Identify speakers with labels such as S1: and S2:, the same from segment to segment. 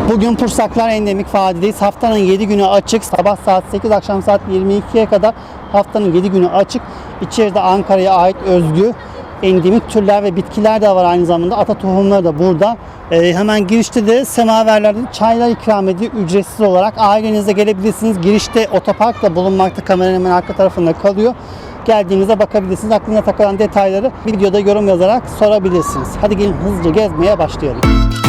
S1: Bugün Pursaklar Endemik Vadi'deyiz. Haftanın 7 günü açık. Sabah saat 8, akşam saat 22'ye kadar haftanın 7 günü açık. İçeride Ankara'ya ait özgü endemik türler ve bitkiler de var aynı zamanda. Ata tohumları da burada. Hemen girişte de semaverlerde çaylar ikram ediyor ücretsiz olarak. Ailenizle gelebilirsiniz. Girişte otopark da bulunmakta. Kameranın hemen arka tarafında kalıyor. Geldiğinizde bakabilirsiniz. Aklına takılan detayları videoda yorum yazarak sorabilirsiniz. Hadi gelin hızlıca gezmeye başlayalım.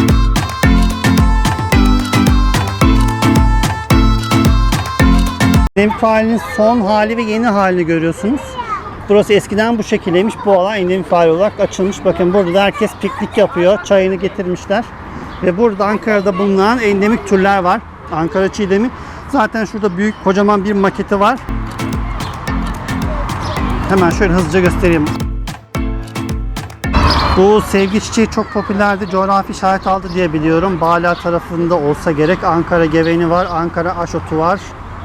S1: Endemik Vadi'nin son hali ve yeni halini görüyorsunuz. Burası eskiden bu şekildeymiş. Bu alan endemik vadi olarak açılmış. Bakın burada da herkes piknik yapıyor. Çayını getirmişler. Ve burada Ankara'da bulunan endemik türler var. Ankara çiğdemi. Zaten şurada büyük kocaman bir maketi var. Hemen şöyle hızlıca göstereyim. Bu sevgi çiçeği çok popülerdi. Coğrafi işaret aldı diye biliyorum. Bala tarafında olsa gerek. Ankara geveni var. Ankara aşotu var.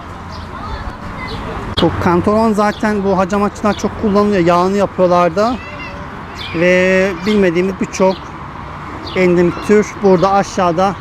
S1: Bu kantaron zaten bu hacamatçılar çok kullanılıyor. Yağını yapıyorlar da. Ve bilmediğimiz birçok endemik tür burada aşağıda.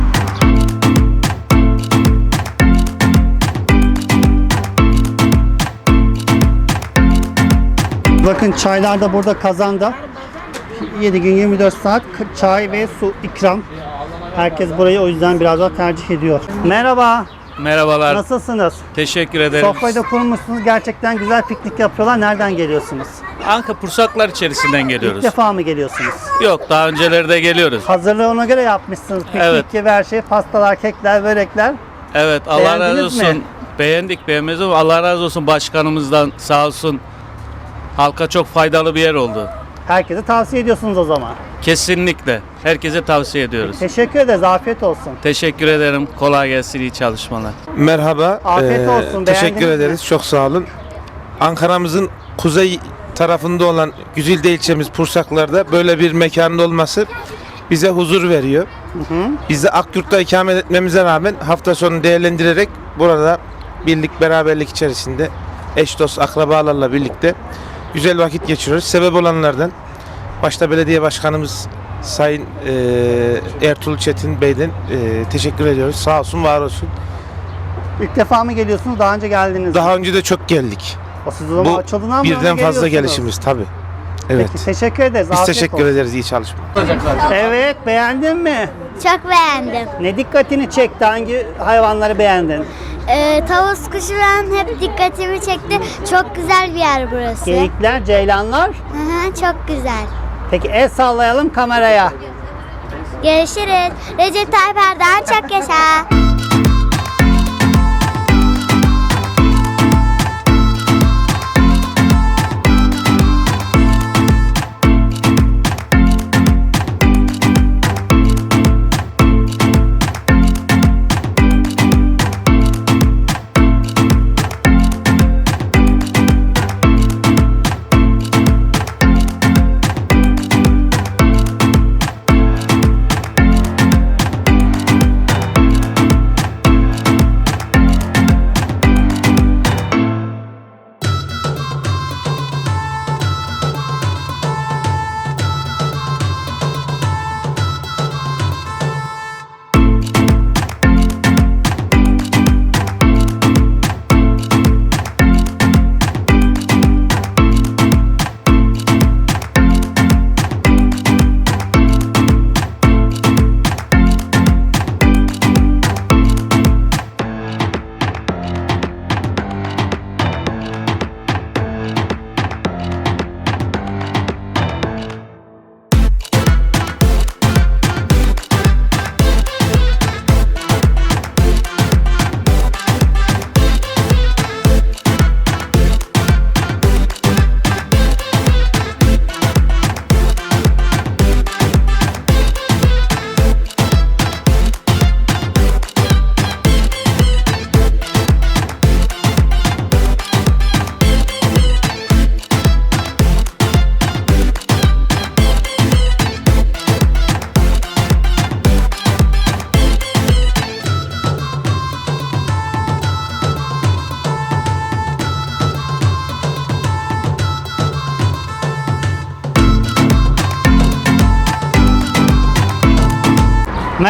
S1: Bakın çaylar da burada kazanda. 7 gün 24 saat çay ve su ikram. Herkes burayı o yüzden biraz daha tercih ediyor. Merhaba.
S2: Merhabalar.
S1: Nasılsınız?
S2: Teşekkür ederim.
S1: Sofrayı da kurmuşsunuz. Gerçekten güzel piknik yapıyorlar. Nereden geliyorsunuz?
S2: Anka Pursaklar içerisinden
S1: İlk
S2: geliyoruz.
S1: defa mı geliyorsunuz?
S2: Yok, daha önceleri de geliyoruz.
S1: Hazırlığı ona göre yapmışsınız. Piknik
S2: Evet.
S1: gibi her şey. Pastalar, kekler, börekler.
S2: Evet, Allah
S1: Beğendiniz
S2: razı olsun.
S1: mi?
S2: Beğendik, beğenmez ama Allah razı olsun başkanımızdan, sağ olsun. Halka çok faydalı bir yer oldu.
S1: Herkese tavsiye ediyorsunuz o zaman.
S2: Kesinlikle. Herkese tavsiye ediyoruz.
S1: Teşekkür ederiz. Afiyet olsun.
S2: Teşekkür ederim. Kolay gelsin, iyi çalışmalar.
S3: Merhaba.
S1: Afiyet olsun.
S3: Teşekkür
S1: Beğendiniz mi?
S3: ederiz. Çok sağ olun. Ankara'mızın kuzey tarafında olan Güzide ilçemiz Pursaklar'da böyle bir mekanın olması bize huzur veriyor. Biz de Akyurt'ta ikamet etmemize rağmen hafta sonu değerlendirerek burada birlik beraberlik içerisinde eş dost akrabalarla birlikte güzel vakit geçiriyoruz. Sebep olanlardan başta belediye başkanımız Sayın Ertuğrul Çetin Bey'den teşekkür ediyoruz. Sağ olsun, var olsun.
S1: İlk defa mı geliyorsunuz? Daha önce geldiniz mi?
S3: Daha önce de çok geldik.
S1: O siz o zaman
S3: Bu
S1: açıldığından mı
S3: birden fazla
S1: geliyorsunuz?
S3: gelişimiz tabii. Evet.
S1: Peki, teşekkür ederiz.
S3: Biz
S1: Afiyet
S3: teşekkür
S1: olsun.
S3: ederiz. İyi çalışma.
S1: Evet, beğendin mi?
S4: Çok beğendim.
S1: Ne dikkatini çekti? Hangi hayvanları beğendin?
S4: Tavus kuşu ben hep dikkatimi çekti. Çok güzel bir yer burası.
S1: Geyikler, ceylanlar.
S4: Hı hı, çok güzel.
S1: Peki el sallayalım kameraya.
S4: Görüşürüz. Recep Tayyip Erdoğan çok yaşa.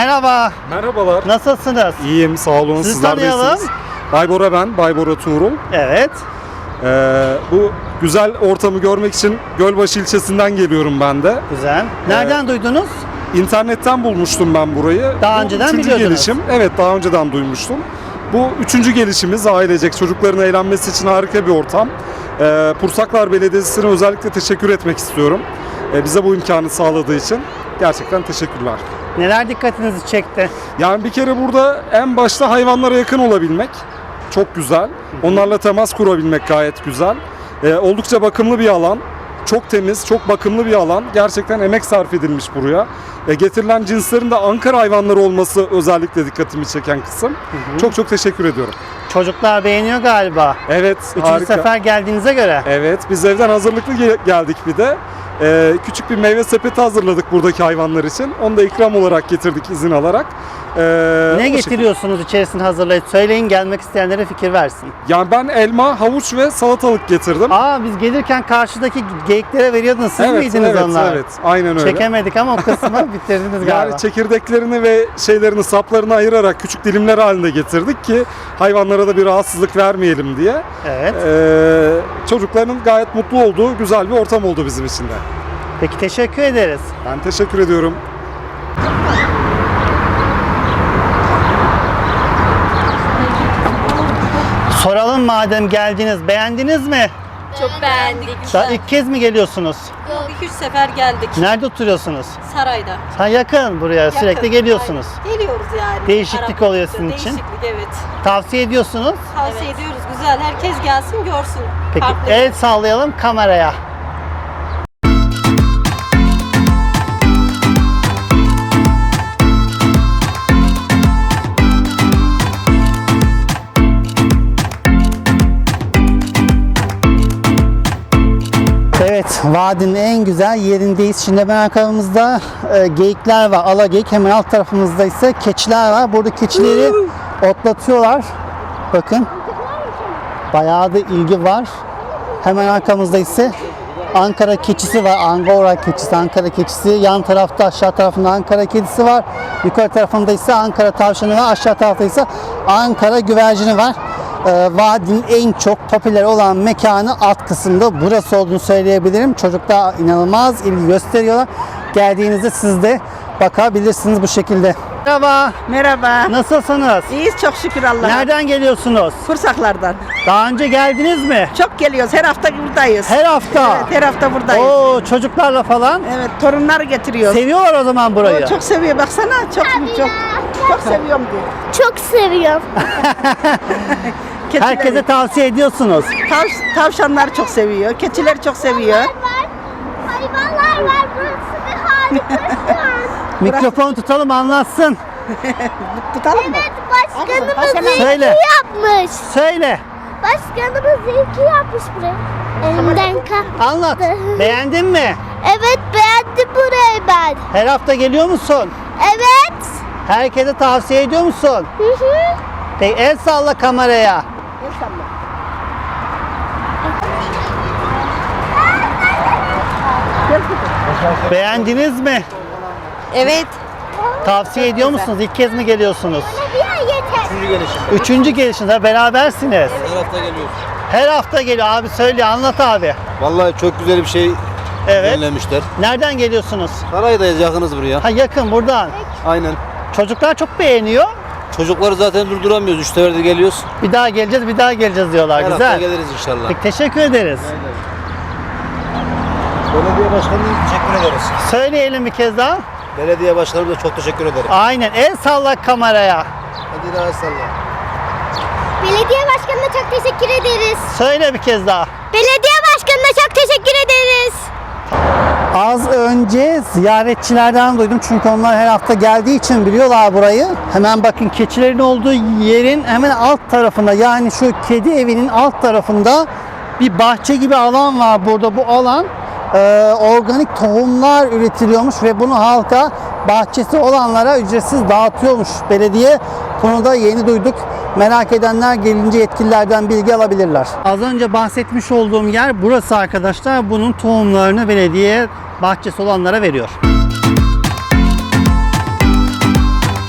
S1: Merhaba.
S5: Merhabalar.
S1: Nasılsınız?
S5: İyiyim, sağ olun.
S1: Sizi
S5: Sizler de
S1: tanıyalım.
S5: iyisiniz. Baybora ben, Baybora Tuğrul.
S1: Evet.
S5: Bu güzel ortamı görmek için Gölbaşı ilçesinden geliyorum ben de.
S1: Güzel. Nereden duydunuz?
S5: İnternetten bulmuştum ben burayı.
S1: Daha
S5: Bu
S1: önceden
S5: üçüncü
S1: biliyordunuz.
S5: gelişim. Evet, daha önceden duymuştum. Bu üçüncü gelişimiz, ailecek çocukların eğlenmesi için harika bir ortam. Pursaklar Belediyesi'ne özellikle teşekkür etmek istiyorum. Bize bu imkanı sağladığı için gerçekten teşekkürler.
S1: Neler dikkatinizi çekti?
S5: Yani bir kere burada en başta hayvanlara yakın olabilmek çok güzel. Onlarla temas kurabilmek gayet güzel. Oldukça bakımlı bir alan. Çok temiz, çok bakımlı bir alan. Gerçekten emek sarf edilmiş buraya. Getirilen cinslerin de Ankara hayvanları olması özellikle dikkatimi çeken kısım. Çok çok teşekkür ediyorum.
S1: Çocuklar beğeniyor galiba.
S5: Evet,
S1: Üçüncü
S5: harika.
S1: sefer geldiğinize göre.
S5: Evet, biz evden hazırlıklı geldik bir de. Küçük bir meyve sepeti hazırladık buradaki hayvanlar için. Onu da ikram olarak getirdik izin alarak.
S1: Ne
S5: O
S1: getiriyorsunuz içerisini hazırlayıp? Söyleyin, gelmek isteyenlere fikir versin.
S5: Yani ben elma, havuç ve salatalık getirdim.
S1: Aa, biz gelirken karşıdaki geyiklere veriyordunuz. Siz miydiniz
S5: evet,
S1: onlar?
S5: Evet, aynen öyle.
S1: Çekemedik ama o kısmı bitirdiniz galiba.
S5: Yani çekirdeklerini ve şeylerini, saplarını ayırarak küçük dilimler halinde getirdik ki hayvanlara da bir rahatsızlık vermeyelim diye.
S1: Evet.
S5: Çocukların gayet mutlu olduğu güzel bir ortam oldu bizim için de.
S1: Peki, teşekkür ederiz.
S5: Ben teşekkür ediyorum.
S1: Soralım madem geldiniz. Beğendiniz mi?
S6: Çok beğendik.
S1: Daha ilk kez mi geliyorsunuz?
S6: Yok, 2-3 sefer geldik.
S1: Nerede oturuyorsunuz?
S6: Sarayda.
S1: Ha, yakın buraya. Sürekli
S6: Yakın,
S1: geliyorsunuz.
S6: aynen. Geliyoruz yani.
S1: Değişiklik
S6: Araba
S1: oluyor
S6: yoksa
S1: sizin için.
S6: Değişiklik, evet.
S1: Tavsiye ediyorsunuz.
S6: Tavsiye ediyoruz. Güzel. Herkes gelsin görsün.
S1: Peki,
S6: Farklı.
S1: el sallayalım kameraya. Evet, vadinin en güzel yerindeyiz. Şimdi hemen arkamızda geyikler var, alageyik. Hemen alt tarafımızda ise keçiler var. Burada keçileri otlatıyorlar. Bakın, bayağı da ilgi var. Hemen arkamızda ise Ankara keçisi var. Angora keçisi, Ankara keçisi. Yan tarafta, aşağı tarafında Ankara kedisi var. Yukarı tarafında ise Ankara tavşanı var. Aşağı tarafta ise Ankara güvercini var. Vadinin en çok popüler olan mekanı alt kısımda burası olduğunu söyleyebilirim. Çocuklar inanılmaz ilgi gösteriyorlar. Geldiğinizde siz de bakabilirsiniz bu şekilde. Merhaba.
S7: Merhaba.
S1: Nasılsınız?
S7: İyiyiz çok şükür Allah'a.
S1: Nereden geliyorsunuz?
S7: Kursaklardan.
S1: Daha önce geldiniz mi?
S7: Çok geliyoruz. Her hafta buradayız.
S1: Her hafta.
S7: Evet, her hafta buradayız.
S1: Oo, çocuklarla falan.
S7: Evet, torunları getiriyoruz.
S1: Seviyorlar o zaman burayı.
S7: O çok seviyor. Baksana çok seviyorum diyor.
S4: Çok seviyorum.
S7: Keçileri.
S1: Herkese tavsiye ediyorsunuz.
S7: Tavşanlar çok seviyor. Keçiler çok seviyor.
S4: Hayvanlar var. Burası bir harika şu an.
S1: Mikrofonu tutalım, anlatsın.
S7: Tutalım mı?
S4: Başkanımız iyi
S1: Söyle.
S4: ki yapmış.
S1: Söyle.
S4: Başkanımız iyi ki yapmış burayı. Elinden kaptı.
S1: Anlat. Beğendin mi?
S4: Evet, beğendim burayı ben.
S1: Her hafta geliyor musun?
S4: Evet.
S1: Herkese tavsiye ediyor musun?
S4: Hı hı.
S1: Peki, el salla kameraya. Beğendiniz mi?
S6: Evet.
S1: Tavsiye ediyor musunuz? İlk kez mi geliyorsunuz?
S4: Bir yeter.
S1: Üçüncü gelişinde berabersiniz.
S8: Her hafta geliyoruz.
S1: Her hafta geliyor abi, söyle, anlat abi.
S8: Vallahi çok güzel bir şey
S1: Evet.
S8: önlemişler.
S1: Nereden geliyorsunuz?
S8: Saraydayız, yakınız buraya.
S1: Ha, yakın buradan.
S8: Aynen.
S1: Çocuklar çok beğeniyor.
S8: Çocukları zaten durduramıyoruz. 3 sefer de geliyoruz.
S1: Bir daha geleceğiz, bir daha geleceğiz diyorlar.
S8: Her hafta
S1: Güzel.
S8: geliriz inşallah.
S1: Peki, teşekkür ederiz.
S8: Belediye başkanımıza teşekkür ederiz.
S1: Söyleyelim bir kez daha.
S8: Belediye başkanımıza çok teşekkür ederim.
S1: Aynen. El salla kameraya.
S8: Hadi daha salla.
S4: Belediye başkanına çok teşekkür ederiz.
S1: Söyle bir kez daha.
S4: Belediye başkanına çok teşekkür ederiz.
S1: Az önce ziyaretçilerden duydum çünkü onlar her hafta geldiği için biliyorlar burayı. Hemen bakın, keçilerin olduğu yerin hemen alt tarafında, yani şu kedi evinin alt tarafında bir bahçe gibi alan var burada. Bu alan organik tohumlar üretiliyormuş ve bunu halka, bahçesi olanlara ücretsiz dağıtıyormuş belediye. Bunu da yeni duyduk. Merak edenler gelince yetkililerden bilgi alabilirler. Az önce bahsetmiş olduğum yer burası arkadaşlar. Bunun tohumlarını belediye bahçesi olanlara veriyor.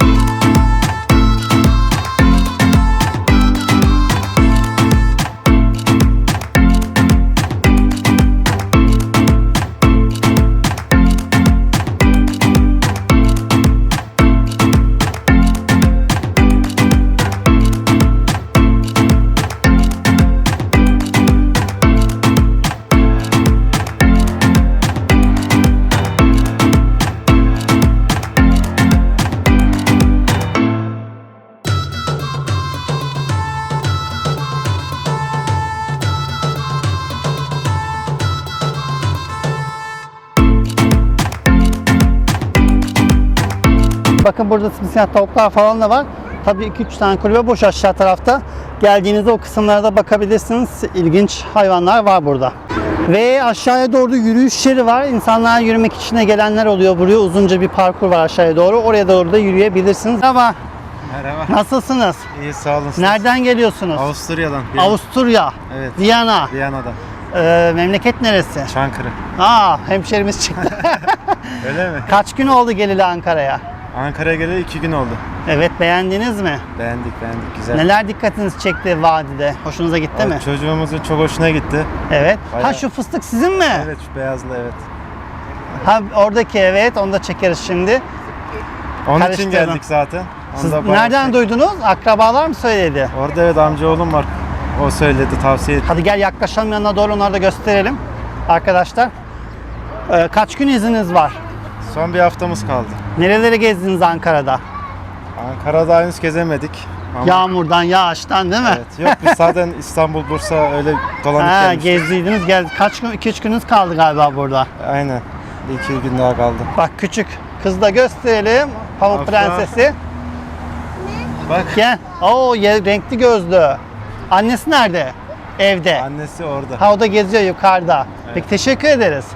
S1: Bakın burada simsiyah tavuklar falan da var. Tabii 2-3 tane kulübe boş aşağı tarafta. Geldiğinizde o kısımlara da bakabilirsiniz. İlginç hayvanlar var burada. Ve aşağıya doğru yürüyüş yeri var. İnsanlar yürümek için de gelenler oluyor. Buraya uzunca bir parkur var aşağıya doğru. Oraya doğru da yürüyebilirsiniz. Merhaba.
S9: Merhaba.
S1: Nasılsınız?
S9: İyi sağ olun.
S1: Nereden geliyorsunuz?
S9: Avusturya'dan.
S1: Avusturya.
S9: Evet.
S1: Viyana.
S9: Viyana'dan.
S1: Memleket neresi?
S9: Çankırı.
S1: Hemşerimiz çıktı.
S9: Öyle mi?
S1: Kaç gün oldu geleli Ankara'ya?
S9: Ankara'ya geleli 2 gün oldu.
S1: Evet, beğendiniz mi?
S9: Beğendik güzel.
S1: Neler dikkatinizi çekti vadide? Hoşunuza gitti mi?
S9: Çocuğumuzun çok hoşuna gitti.
S1: Evet.
S9: Bayağı-
S1: Ha, şu fıstık sizin mi?
S9: Evet, şu beyazlı evet.
S1: Ha, oradaki, evet, onu da çekeriz şimdi.
S9: Onun için
S1: Karıştırdım.
S9: geldik zaten. Onu
S1: Siz
S9: da bayağı
S1: nereden duydunuz? Akrabalar mı söyledi?
S9: Orada evet amcaoğlum var. O söyledi, tavsiye etti.
S1: Hadi gel yaklaşalım yanına doğru, onları da gösterelim. Arkadaşlar. Kaç gün izniniz var?
S9: Son bir haftamız kaldı.
S1: Nereleri gezdiniz Ankara'da?
S9: Ankara'da henüz gezemedik. Ama
S1: Yağmurdan, yağıştan değil mi?
S9: evet. Yok biz zaten İstanbul, Bursa öyle dolanıp
S1: Ha,
S9: gelmiştik.
S1: gezdiydiniz, geldi. Kaç gün, 2-3 gününüz kaldı galiba burada.
S9: Aynen. Bir 2 gün daha kaldı.
S1: Bak küçük kız da gösterelim. Pamuk
S9: Afra.
S1: Prensesi.
S9: Bak.
S1: Gel. Oo, renkli gözlü. Annesi nerede? Evde.
S9: Annesi orada.
S1: Ha, o da geziyor yukarıda. Peki, teşekkür ederiz.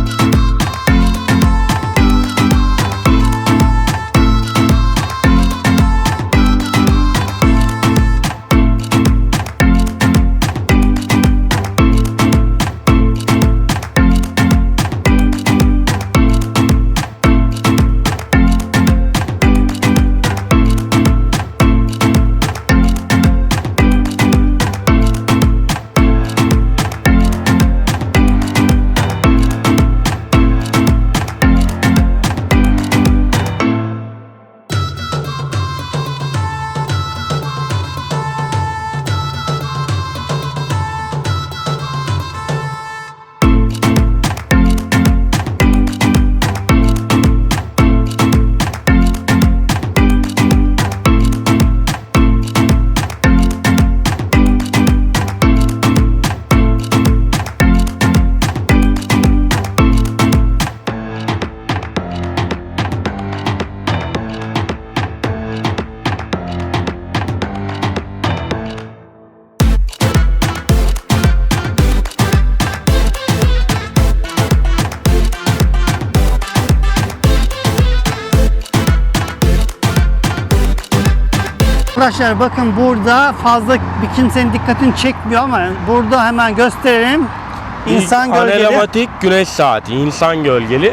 S1: Arkadaşlar bakın, burada fazla bir kimsenin dikkatini çekmiyor ama burada hemen gösterelim. İnsan gölgeli.
S10: Anelematik güneş saati, insan gölgeli.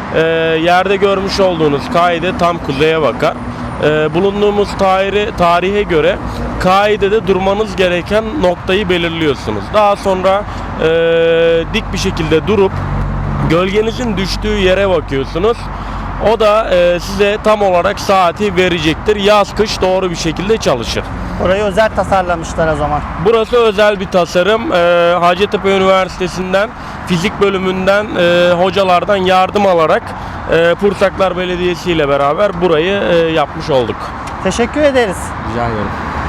S10: Yerde görmüş olduğunuz kaide tam kuzeye bakar. Bulunduğumuz tarihe göre kaidede durmanız gereken noktayı belirliyorsunuz. Daha sonra dik bir şekilde durup gölgenizin düştüğü yere bakıyorsunuz. O da size tam olarak saati verecektir. Yaz kış doğru bir şekilde çalışır.
S1: Orayı özel tasarlamışlar o zaman.
S10: Burası özel bir tasarım. Hacettepe Üniversitesi'nden fizik bölümünden hocalardan yardım alarak Pursaklar Belediyesi ile beraber burayı yapmış olduk.
S1: Teşekkür ederiz.
S10: Rica ederim.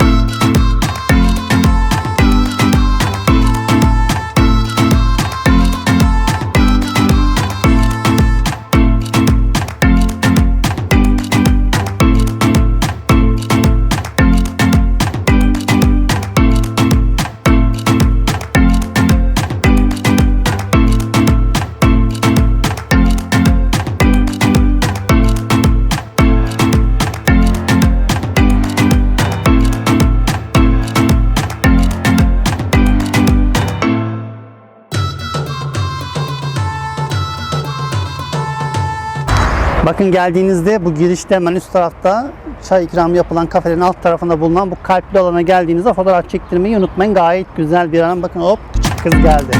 S1: Bakın, geldiğinizde bu girişte hemen üst tarafta çay ikramı yapılan kafelerin alt tarafında bulunan bu kalpli alana geldiğinizde fotoğraf çektirmeyi unutmayın. Gayet güzel bir alan. Bakın, hop, küçük kız geldi.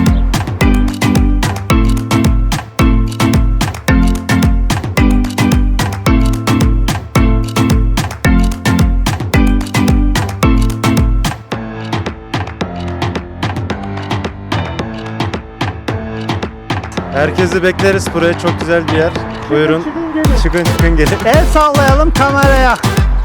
S9: Herkesi bekleriz buraya. Çok güzel bir yer. Buyurun. Çıkın gelin.
S1: El sallayalım kameraya.